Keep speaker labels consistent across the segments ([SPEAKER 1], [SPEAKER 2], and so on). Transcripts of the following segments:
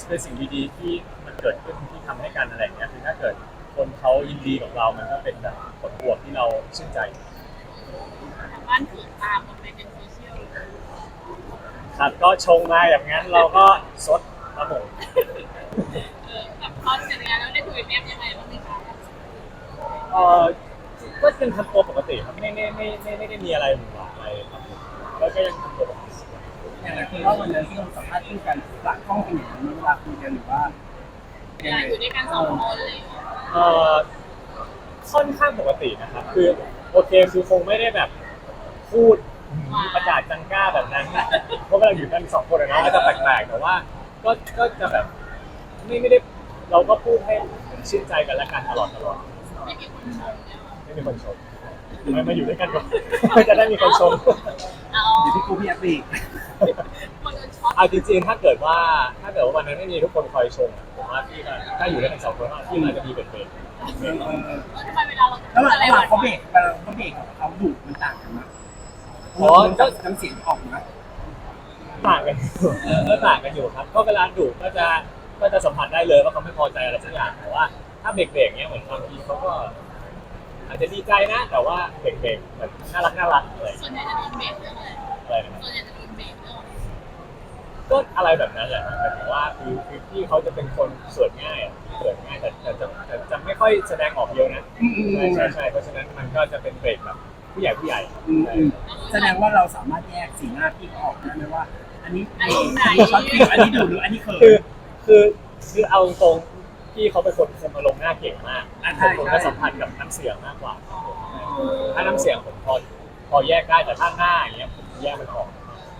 [SPEAKER 1] เป็นสิ่งดีๆที่มันเกิดขึ้นที่ทำให้กันอะไรอย่างเงี้ยคือถ้าเกิดคนเขายินดีกับเรามันก็เป็นแบบผลบวกที่เราชื่นใจ
[SPEAKER 2] ทางบ้านถือตามลงไปในโซเชียล
[SPEAKER 1] ครับก็ชงมาอย่างนั้นเราก็ซดครับผม
[SPEAKER 2] กับตอนเสร็จงานแล้วได้คุยกับแม่ยังไงบ้างไหมคะ
[SPEAKER 1] เออก็ยังทำตัวปกติครับไม่ได้มีอะไรหวือหวาอะไรครับผมแล้วก็ยังทำตัวปกติ
[SPEAKER 3] อย่างไรคือว่าวันนั้นที่เราสัมภาษณ์คู่กันหลักห้องเป็นอย่างนั้นเวลาคุยกันหรือว่า
[SPEAKER 2] เวลาอยู่ด้วยกัน2 คนเลย
[SPEAKER 1] เอ่อค่อนข้างปกตินะครับคือโอเคคือคงไม่ได้แบบพูดประกาศจังก้าแบบนั้นเพราะเวลาอยู่กัน2 คนอะเนาะก็จะแปลกๆแต่ว่าก็จะแบบไม่ได้เราก็พูดให้ชื่นใจกันและกันตลอด
[SPEAKER 2] ไม่มีคนชมเนี่ย
[SPEAKER 1] ไม่มีคนชมมาอยู่ด้วยกันก่อนจะได้มีคนชม
[SPEAKER 2] เอา
[SPEAKER 3] อยู่ที่ครูพี่แอปอีก
[SPEAKER 2] คนโดนช็อต
[SPEAKER 1] เอาจริงๆถ้าเกิดว่าวันนั้นไม่มีทุกคนคอยชมผมว่าพี่ก็ถ้าอยู่ด้วยกัน2 คนพี่มันจะมีเป็น
[SPEAKER 2] ทำไมเวลาเรา
[SPEAKER 3] แล้ว
[SPEAKER 2] อะไร
[SPEAKER 3] หลังเขาเบรกกับเขาดุมันต่างกันมั้ยอ๋อก็น้ำเสียงออกนะ
[SPEAKER 1] ต่างกันต่างกันอยู่ครับก็เวลาดุก็จะสัมผัสได้เลยว่าเขาไม่พอใจอะไรสักอย่างแต่ว่าถ้าเบรกเนี้ยเหมือนบางทีเขาก็อาจจะดีใจนะแต่ว่าเบรกแบบน่ารักอะไร
[SPEAKER 2] ส่วนใหญ่จะโดนเบรกเรื่องอะไร
[SPEAKER 1] นะ
[SPEAKER 2] ส่วนใหญ่จะโดนเบรกเรื่อง
[SPEAKER 1] ก็อะไรแบบนั้นแหละหมายถึงว่าคือพี่เขาจะเป็นคนเขินง่ายแต่จะไม่ค่อยแสดงออกเยอะนะใช่เพราะฉะนั้นมันก็จะเป็นเบรกแบบผู้ใหญ่
[SPEAKER 3] แสดงว่าเราสามารถแยกสีหน้าที่ออกได้ไหมว่าอันนี้ช็อตฟิลอันนี้ดุหรืออันนี้เขิน
[SPEAKER 1] คือเอาตรงพี่เขาเป็นคนคุมอารมณ์หน้าเก่งมากผมก็สัมพันธ์กับน้ำเสียงมากกว่าถ้าน้ำเสียงผมพอแยกได้แต่ถ้าหน้าอย่างเงี้ยผมแยกมันออก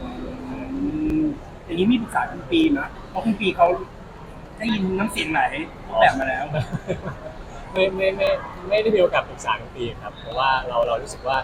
[SPEAKER 3] อย่างนี้มีปรึกษาคุณปีนะเพราะคุณปีเขาได้ยินน้ำเสียงไหนแบบมาแล้ว
[SPEAKER 1] ไม่ได้มีโอกาสปรึกษาคุณปีครับเพราะว่าเรารู้สึกว่า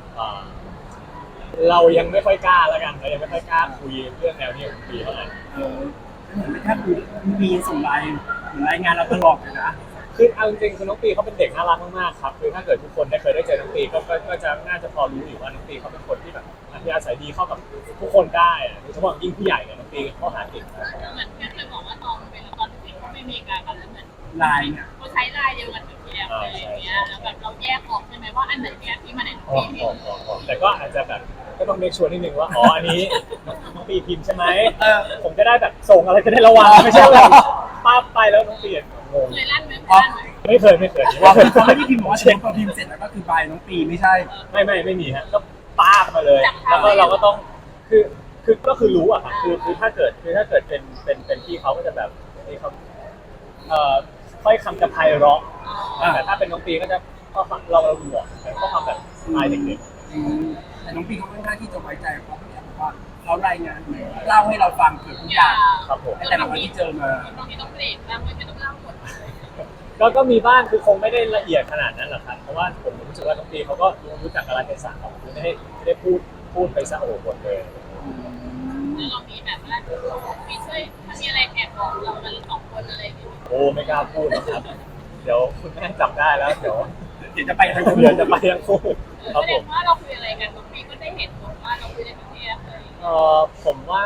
[SPEAKER 1] เรายังไม่ค่อยกล้าแล้วกันเรายังไม่ค่อยกล้าคุยเรื่องแนวนี้กับคุณปีเท่าไหร่
[SPEAKER 3] ถ้าคุณมีส่งรายงานเราตลอดเลยนะ
[SPEAKER 1] คือเอาจริงๆคือน้องปีเขาเป็นเด็กน่ารักมากๆครับคือถ้าเกิดทุกคนได้เคยได้เจอน้องปีก็จะน่าจะพอรู้อยู่ว่าน้องปีเขาเป็นคนที่แบบอัธยาศัยดีเข้ากับทุกคนได้โดยเฉพาะยิ่งผู้ใหญ่เนี่ยน้องปีเขาหาเก่ง
[SPEAKER 2] เหมือนแค่เคยบอกว่าตอนเวลาตอนที่เขาไม่มีการกันแล้วเหมือน
[SPEAKER 3] ลายเนี่ย
[SPEAKER 2] เขาใช้ลายเดียวกันกับพี่แอฟเลยอย่างเงี้ยแล้วแบบเราแยกออกใช่ไหมว่าอันไหนเนี่ยที่มาไหนที่
[SPEAKER 1] แต่ก็อาจจะแบบก็ต้องเมคชัวร์นิดนึงว่าอ๋ออันนี้น้องปีพิมพ์ใช่ไหมผมจะได้แบบส่งอะไรจะได้ระวังไม่ใช่แบบป้าไปแล้วน้องปีงง
[SPEAKER 2] เคยลั่นไหม
[SPEAKER 1] ไม่เคย
[SPEAKER 3] เขาไม่ได้พิมพ์บอกว่าเช็คพอพิมพ์เสร็จแล้วก็คือบายน้องปีไม่ใช่
[SPEAKER 1] ไม่มีฮะก็ป้ามาเลยแล้วก็เราก็ต้องก็คือรู้อะครับคือถ้าเกิดเป็นพี่เขาก็จะแบบนี่เขาค่อยคำจะไพเราะแต่ถ้าเป็นน้องปีก็จะก็เราดูอ่ะก็ทำแบบสไตล์เด็ก
[SPEAKER 3] ๆแต่น้องปีเขาค่อนข้างที่จะไว้ใจเพราะว่าเขารายงานเล่าให้เราฟังเกือบทุกอย่าง
[SPEAKER 1] ครับผม
[SPEAKER 3] แต่ละวันที่เจอมา
[SPEAKER 2] บางทีต้องเบรกบางทีไม่ต้องเล่าหมด
[SPEAKER 1] ก็มีบ้างคือคงไม่ได้ละเอียดขนาดนั้นหรอกครับเพราะว่าผมรู้สึกว่าน้องปีเขาก็รู้จักกาลเทศะของไม่ได้พูดไปซะโอ้โหหมดเลย
[SPEAKER 2] เรามีแบบว่ามีช่วยถ้ามีอะไรแอบบอกเรากัน2 คนอะไรอย่างเงี้ย
[SPEAKER 1] โอ้ไม่กล้าพูดนะครับเดี๋ยวคุณแม่จับได้แล้วเดี๋ยว
[SPEAKER 3] จะไปทั้งคู่
[SPEAKER 2] แสดงว่าเราคุยอะไรกันน้องปีก็ได้เห็นว่าเราคุยอะไรกับพี่แอฟเลย
[SPEAKER 1] ผมว่า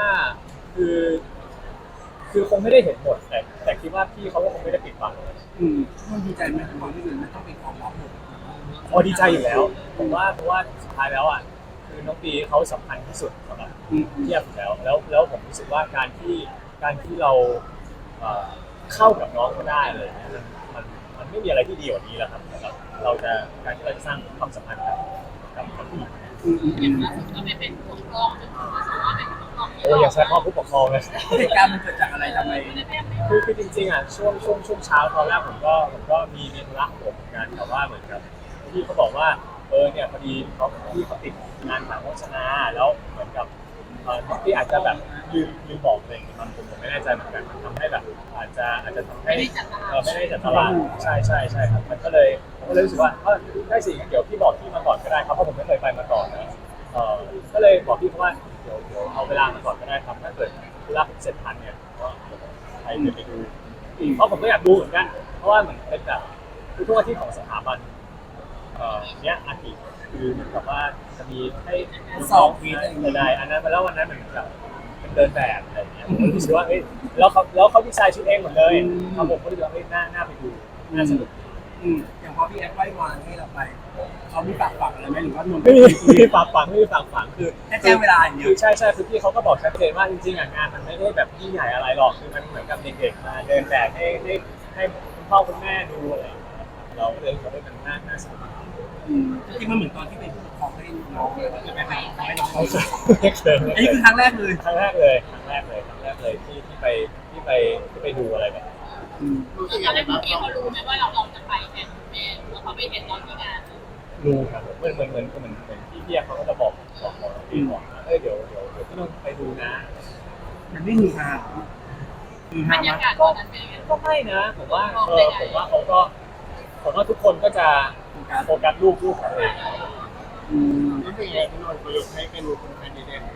[SPEAKER 1] คือคงไม่ได้เห็นหมดแต่คิดว่าพี่เขาก็คงไม่ได้ปิดบัง
[SPEAKER 3] มันดีใจไหมความที่มันต้องเป็นความลับหมด
[SPEAKER 1] ดีใจอยู่แล้วผมว่าเพราะว่าสุดท้ายแล้วอ่ะคือน้องปีเขาสำคัญที่สุดสำหรับพี่แอฟแล้วผมรู้สึกว่าการที่เราเข้ากับน้องก็ได้เลยมันไม่มีอะไรที่ดีกว่านี้แล้วครับการที่เราจะสร้างความสัมพันธ์กับผู้หญิง
[SPEAKER 2] อย่างล่าสุดก็ไม่เป็นผู้ปกครองจนถึงว่าสามารถเป็นผู้ปกครอง
[SPEAKER 1] อย่าใช้คำว่าผู้ปกครองเลย
[SPEAKER 3] เหตุการณ์มันเกิดจากอะไรทำไม
[SPEAKER 1] คือจริงๆอ่ะช่วงเช้าตอนแรกผมก็มีธุระของผมเหมือนกันแต่ว่าเหมือนกับพี่เขาบอกว่าเนี่ยพอดีพี่เขาติดงานหนังโฆษณาแล้วเหมือนกับที่อาจจะแบบลืมบอกอะไรอย่างเงี้ยผมไม่แน่ใจเหมือนกันมันทำให้แบบอาจจะทำให้ไม่ได้จัดตารางใช่ครับมันก็เลยรู้สึกว่าได้สิเดี๋ยวพี่บอกพี่มาก่อนก็ได้ครับเพราะผมไม่เคยไปมาก่อนนะก็เลยบอกพี่เขาว่าเดี๋ยวเอาเวลามาก่อนก็ได้ครับถ้าเกิดธุระเสร็จทันเนี่ยก็ใครจะไปดูเพราะผมก็อยากดูเหมือนกันเพราะว่าเหมือนเป็นแบบทุกอาทิตย์ของสถาบันเนี้ยอาทิตย์คือเหมือนกับว่าจะมีให้
[SPEAKER 3] สอบ
[SPEAKER 1] ใดอันนั้นแล้ววันนั้นเหมือนกับเป็นเดินแบบอะไรอย่างเงี้ยผมก็รู้สึกว่าเอ้ยแล้วเขาดีไซน์ชุดเองหมดเลยครับผมก็รู้สึกว่าเฮ้ยน่าไปดูน่าสนุก
[SPEAKER 3] อย่างพอพี่แอฟไหว้วานให้เราไปเขามีฝากฝังอะไรไหมหรือว่านนท์
[SPEAKER 1] ไม่มีฝากฝังคือ
[SPEAKER 3] แค่แจ้งเวลาอย่างเดียว
[SPEAKER 1] คือใช่คือพี่เขาก็บอกชัดเจนว่าจริงๆอ่ะงานมันไม่ได้แบบยิ่งใหญ่อะไรหรอกคือมันเหมือนกับเด็กๆมาเดินแบบให้คุณพ่อคุณแม่ดูอะไรอย่างเงี้ยเราก็เลยรู้สึกว่ามันน่าสนุก
[SPEAKER 3] จริงๆมันเหมือนตอนที่เป็นผู้ปกครองให้น้องเลยว่าจะไปให้น้อง
[SPEAKER 1] ไม่เคย
[SPEAKER 3] อันนี้คือครั้งแรกเลย
[SPEAKER 1] ครั้งแรกเลยที่ไปดูอะไรแบบนี้
[SPEAKER 2] ตอนแรกพี่เขารู้ไหมว่าเราจะไปแทนแม่แล้วเขาไปเห็นตอนที่งาน
[SPEAKER 1] รู้ครับเหมือนพี่เพียเขาก็จะบอกพี่บอกนะเดี๋ยวพี่ต้องไปดูนะ
[SPEAKER 3] มันไม่มีทางมี
[SPEAKER 2] บร
[SPEAKER 3] ทาง
[SPEAKER 2] รยากาศตอนนั้นเป็นยังไง
[SPEAKER 1] ก็ไม่นะผมว่าผมว่าทุกคนก็จะโฟกัสรูปของตัวเอง
[SPEAKER 4] รู้สึกยังไงที่นนท์ประยุกต์ให้เป็นคนแคนดิเดต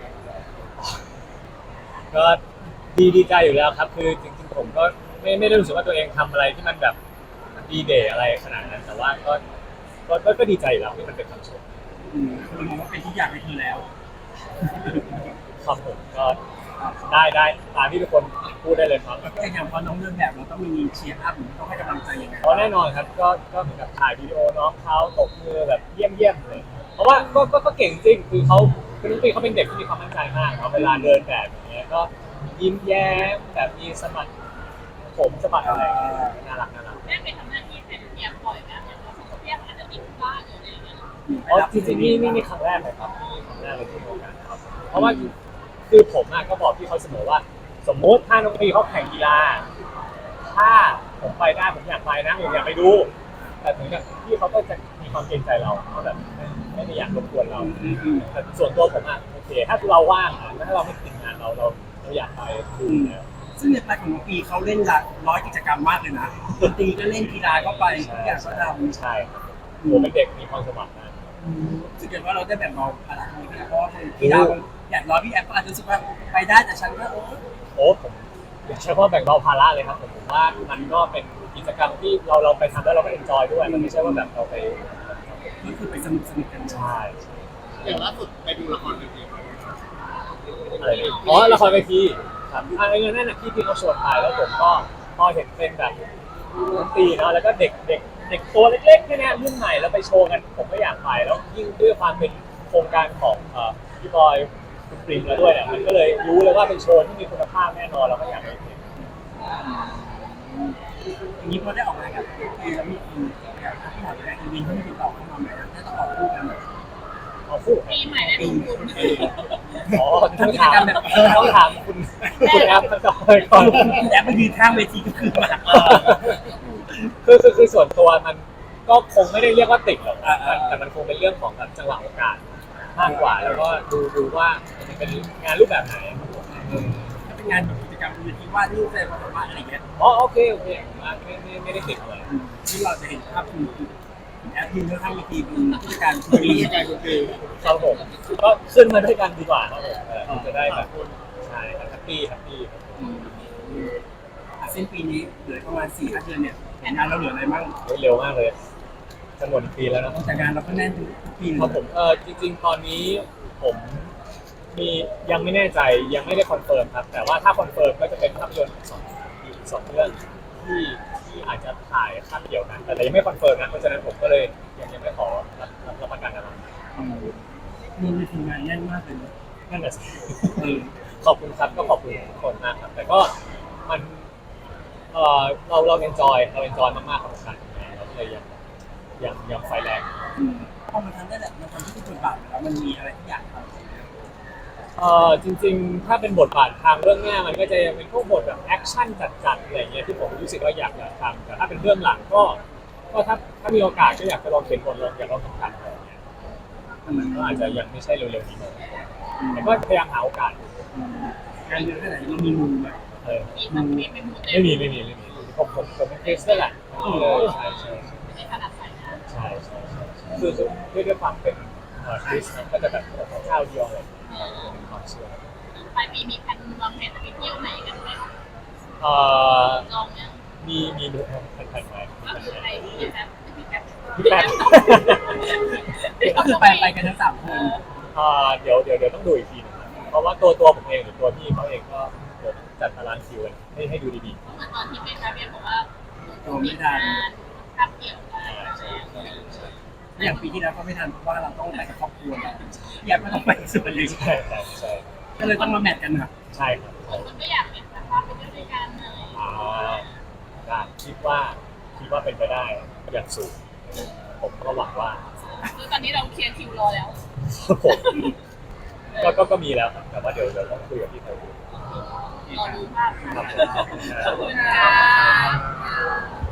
[SPEAKER 1] ก็ดีใจอยู่แล้วครับคือจริงๆผมก็ไม่ได้รู้สึกว่าตัวเองทำอะไรที่มันแบบดีเดย์อะไรขนาดนั้นแต่ว่าก็ดีใจอยู่แล้วที่มันเป็นคำชม
[SPEAKER 3] คือมองว่าเป็นทุกอย่างในเธอแล้ว
[SPEAKER 1] ครับผมก็ได้ตามที่ทุกคนพูดได้เลยครับ
[SPEAKER 3] แต่อย่างพอน้องเดินแบบเราต้องมีเชียร์อัพหรือต้องให้กำลังใจยังไง
[SPEAKER 1] เพราะแน่นอนครับก็เหมือนกับถ่ายวิดีโอน้องเขาตบมือแบบเยี่ยมเลยเพราะว่าก็เก่งจริงคือน้องปีเขาเป็นเด็กที่มีความมั่นใจมากเวลาเดินแบบอย่างเงี้ยก็ยิ้มแย้มแบบมีสะบัดผมสะบัดอะไรน่ารัก
[SPEAKER 2] แม่ไปทำหน้าที่เป็นเพียงบ่อยนะอย่างเราเพียงอาจจะติดบ้านหรืออะไรอย่างเงี้ย
[SPEAKER 1] อ๋อจริงๆนี่ครั้งแรกเลยครับครั้งแรกเลยที่มีโอกาสครับเพราะว่าคือผมก็บอกพี่เขาเสมอว่า สมมติถ้าน้องปีเขาแข่งกีฬาถ้าผมไปได้ผมอยากไปนะผมอยากไปดูแต่ถึงกับพี่เขาก็จะมีความเกรงใจเราเขาแบบไม่ได้อยากรบกวนเราแต่ส่วนตัวผมโอเคถ้าเราว่างถ้าเราไม่ติดงานเราอยากไปดูนะ
[SPEAKER 3] ซึ่งในปลายของน้องปีเขาเล่นร้อยกิจกรรมมากเลยนะดนตรีก็เล่นกีฬาก็ไปทุกอย่างก็ทำ
[SPEAKER 1] ใช่ครับผมเป็นเด็กมีความสมัครนะ
[SPEAKER 3] รู้สึกว่าเราได้แบ่งเบาภาระนี้นะเพราะว่ากีฬาอย่างร้อยพี่แอฟก็อาจจะรู้สึกว่าไปได้แต่ฉันก็
[SPEAKER 1] ผมอยากใช้คำว่าแบ่งเบาภาระเลยครับผมว่ามันก็เป็นกิจกรรมที่เราไปทำแล้วเราก็เอนจอยด้วยมันไม่ใช่ว่าแบบเราไป
[SPEAKER 3] ก็คือไปสนุกกัน
[SPEAKER 1] ใช่
[SPEAKER 4] อย่างล่าสุดไปดูละครเวทีมา
[SPEAKER 1] อะไรอ๋อละครเวทีครับอันนี้นั่นน่ะพี่เขาชวนไปแล้วผมก็พอเห็นเป็นแบบดนตรีเนาะแล้วก็เด็กตัวเล็กๆแค่นี้รุ่นใหม่แล้วไปโชว์กันผมก็อยากไปแล้วยิ่งด้วยความเป็นโครงการของพี่บอยคุณปริงแล้วด้วยเนี่ยมันก็เลยรู้เลยว่าเป็นโชว์ที่มีคุณภาพแน่นอนเราก็อยากไปเห็น
[SPEAKER 3] อย่างนี้พอได้ออกงานกับพี่แล้วมีทีมอย่างที่หมอแรกวินที่ติดต่อเข้ามาไหมถ้าต้องออกคู่กัน
[SPEAKER 1] เอาคู่
[SPEAKER 2] ปีใหม่ได้ลงทุน
[SPEAKER 1] อ๋อต้องถามคุณแอปก่อน
[SPEAKER 3] แอปมันยืนข้างเวทีก็คือมา
[SPEAKER 1] คือส่วนตัวมันก็คงไม่ได้เรียกว่าติดหรอกแต่มันคงเป็นเรื่องของแบบจังหวะโอกาสมากกว่าแล้วก็ดูว่ามันเป็นงานรูปแบบไหน
[SPEAKER 3] ถ้าเป็นงานแบบกิจกรรมเวทีวาดรูปอะไรประมาณอะไรเงี้ย
[SPEAKER 1] อ๋อโอเคไม่ได้ติดอะไร
[SPEAKER 3] ที่เราจะเห็นภาพคุณแอปยืนข้างเวทีเป็นผู้จัดการที
[SPEAKER 4] มี
[SPEAKER 3] วี
[SPEAKER 4] วิธีการคุณคือ
[SPEAKER 1] ครับผมก็ขึ้นมาด้วยกันดีกว่าครับผมจะได้แบบใช่แฮปปี้
[SPEAKER 3] สิ้นปีนี้เหลือประมาณ4-5 เดือนเนี่ยงานเราเหลืออะไรบ้าง
[SPEAKER 1] เร็วมากเลยจะหมดปีแล้วนะ
[SPEAKER 3] แต่งานเราก็แน่นทุกปี
[SPEAKER 1] ครับผมจริงๆตอนนี้ผมมียังไม่แน่ใจยังไม่ได้คอนเฟิร์มครับแต่ว่าถ้าคอนเฟิร์มก็จะเป็นภาพยนตร์สองเรื่องที่อาจจะถ่ายคาบเดียวกันแต่ยังไม่คอนเฟิร์มนะเพราะฉะนั้นผมก็เลยยังไม่ขอรับประกันอะไร
[SPEAKER 3] มีทีมงานแน่นมากเลย
[SPEAKER 1] นั่นแหละสิขอบคุณครับก็ขอบคุณทุกคนมากครับแต่ก็มันเราเอนจอยมากๆกับการทำงานเราเลยยังไฟแรง
[SPEAKER 3] พอมันทำได้แหละมันทำที่เป็นบทบาทแล้วมันมีอะไรที่อยากทำ
[SPEAKER 1] จริงๆถ้าเป็นบทบาททางเรื่องหน้ามันก็จะเป็นพวกบทแบบแอคชั่นจัดๆอะไรเงี้ยที่ผมรู้สึกว่าอยากทำแต่ถ้าเป็นเรื่องหลังก็ถ้ามีโอกาสก็อยากจะลองเขียนบทอยากลองทำกันอะไรเงี้ยมันก็อาจจะยังไม่ใช่เร็วๆนี้แต่ก็พยายามหาโอกาส
[SPEAKER 3] งานเยอะแค่ไหนเรามีมุมไหม
[SPEAKER 2] มีทั้งปีเป็นมูเต
[SPEAKER 1] ไม่มีผมเป็นคริสต์นั่นแหละใช่
[SPEAKER 2] ในขนาดไหนนะ
[SPEAKER 1] คือด้วยความเป็นคริสต์ก็จะแบบเจ้าเดียวเลยเป็นความเชื่อ
[SPEAKER 2] ปลายปีมีแผนวางแผนจะไปเที่ยวไหนกันไหมลองยัง
[SPEAKER 1] มีดูแผ่นๆไหม
[SPEAKER 2] ก็คือไปพี่แป๊บ
[SPEAKER 1] พี่แป๊บ
[SPEAKER 3] ก็คือไปกันทั้ง3 คน
[SPEAKER 1] เดี๋ยวต้องดูอีกทีนึงครับราะว่าตัวผมเองหรือตัวพี่เขาเองก็จัดตารางคิวให้ดูดี
[SPEAKER 2] เหมือนตอนที่เป็นคาเบียบอกว่า
[SPEAKER 3] ตัวไม่ทัน
[SPEAKER 2] ทำเกี่ยวกัน
[SPEAKER 3] อย่างปีที่แล้วก็ไม่ทันเพราะว่าเราต้องไปกับครอบครัวอยากก็ต้องไปส่วนหนึ่ง
[SPEAKER 1] ใช่ใช่
[SPEAKER 3] ก็เลยต้องมาแมทกันนะ
[SPEAKER 1] ใช่ครับ
[SPEAKER 2] คนก็อยากเป็นแบบว่าไปด้วยกันเลย
[SPEAKER 1] ได้คิดว่าเป็นไปได้อย่างสูงผมก็หวังว่า
[SPEAKER 2] คือตอนนี้เราเคลียร์คิวรอแล้ว
[SPEAKER 1] ผมก็มีแล้วครับแต่ว่าเดี๋ยวต้องคุยกับพี่ไทยดู
[SPEAKER 2] รอดูภาพ
[SPEAKER 1] ครับ
[SPEAKER 2] ขอบคุณค่ะ